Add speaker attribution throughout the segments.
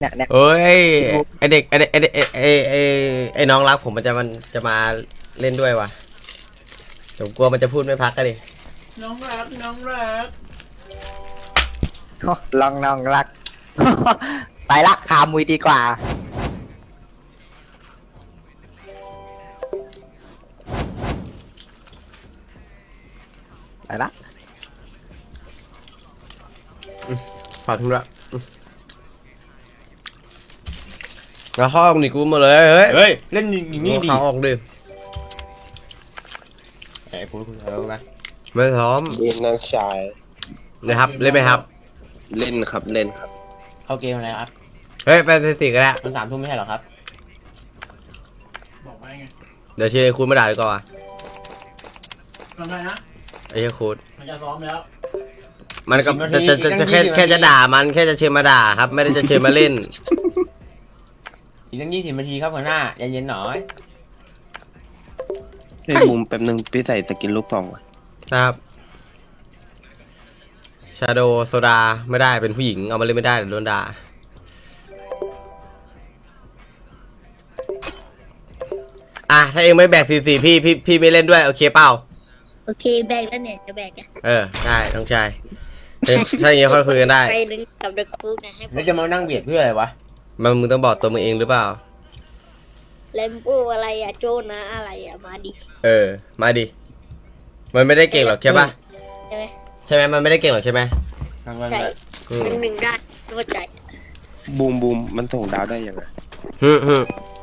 Speaker 1: เนี่ย
Speaker 2: เอ้ยไอเด็กไอน้องรักผมมันจะมาเล่นด้วยวะผมกลัวมันจะพูดไม่พักกันดิ
Speaker 3: น้องรักน้องรัก
Speaker 1: ลองน้องรัก ไปละขามุยดีกว่าไปละ
Speaker 2: ฝากคุณด้วยแล้วเข้าออกหนีกูมาเลยเฮ้ย
Speaker 3: เฮ้ยเล่นอย่างนี้ดิ
Speaker 2: เข้าออกดิ
Speaker 3: ไอ้พูดเอาไหม
Speaker 2: ไม่ซ้อม
Speaker 4: เล่นน้องชาย
Speaker 2: นะครับเล่นไหมครับ
Speaker 4: เล่นครับเล่นครับ
Speaker 3: เข้าเกมอะไรครับ
Speaker 2: เฮ้ยไปสิก็ได้
Speaker 3: มัน3 ทุ่มไม่ใช่หรอครับ
Speaker 5: บอกไว้ไง
Speaker 2: เดี๋ยวเชียร์คุณมาด่าดีกว่า
Speaker 5: ทำไงนะ
Speaker 2: ไอ้เชียร์คุณ
Speaker 5: มันจะซ้อมแล้ว
Speaker 2: มันก็จะแค่จะด่ามันแค่จะเชิญมาด่าครับ ไม่ได้จะเชิญมาเล่น
Speaker 3: อีกตั้ง20 นาทีครับหัวหน้าใจเย็นหน่อย
Speaker 4: เล่นมุมแป๊บนึงพี่ใส่สกินลูกซองก่อน
Speaker 2: นะครับชาโดโซดาไม่ได้เป็นผู้หญิงเอามาเล่นไม่ได้เดี๋ยวโดนด่าอ่ะถ้าเองไม่แบก44พี่ไม่เล่นด้วยโอเคเปล่า
Speaker 6: โอเคแบกแล้วเนี่ยจะแบกอะ
Speaker 2: ได้น้องชายถ้าอย่างเงี้ยค่อยคุยกันได้
Speaker 6: ไปลึงกับเด็กฟุกนะให้
Speaker 3: แล้วจะมานั่งเบียดเพื่ออะไรวะ
Speaker 2: มึงต้องบอกตัวมึงเองหรือเปล่า
Speaker 6: เลมโบอะไรอะโจนะอะไรอะมาดิ
Speaker 2: มาดิมันไม่ได้เก่งหรอกใช่ปะ
Speaker 6: ใช่ไหม
Speaker 2: ใช่ไหมมันไม่ได้เก่งหรอกใช่ไหม
Speaker 3: นั่งมัน
Speaker 6: ใช่
Speaker 3: แบบ
Speaker 2: อืม
Speaker 6: หนึ่งได้เข้าใจ
Speaker 4: บูมมันส่งดาวได้ยังไง
Speaker 2: ฮึ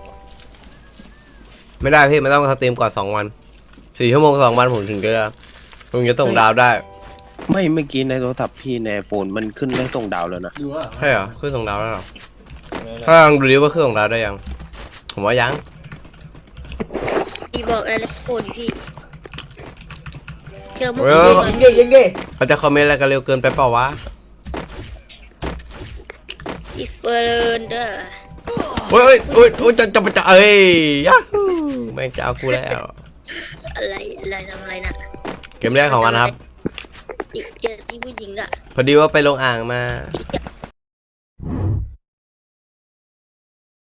Speaker 2: ไม่ได้พี่มันต้องสตรีมก่อน2 วัน4 ชั่วโมง2 วันผมถึงจะส่งดาวได้
Speaker 4: ไม่เมื่อกี้ในโทรศัพท์พี่ในโฟนมันขึ้นได้ส่งดาวแล้วนะ
Speaker 5: ดูว่า
Speaker 2: ใช่เหรอเครื่องส่งดาวแล้วเหรอถ้าลองดูดิว่าเครื่องส่งดาวได้ยังผมว่ายัง
Speaker 6: พี่บอกอะไรคนพี่เจอมุก
Speaker 2: เออ
Speaker 3: ยิงดิยิงดิ
Speaker 2: เขาจะคอมเมนต์อะไรกันเร็วเกินไปเปล่าวะ
Speaker 6: อีเฟิร์นเด้อ
Speaker 2: โอ้ยจะเอ้ยยาฮูแม่งจะเอากูแล้ว
Speaker 6: อะไรทำอะไรนะ
Speaker 2: เกมแรกของวันครับ
Speaker 6: เจอที่ผู้หญิงอะ
Speaker 2: พอดีว่าไปลงอ่างมา
Speaker 6: พี่จะ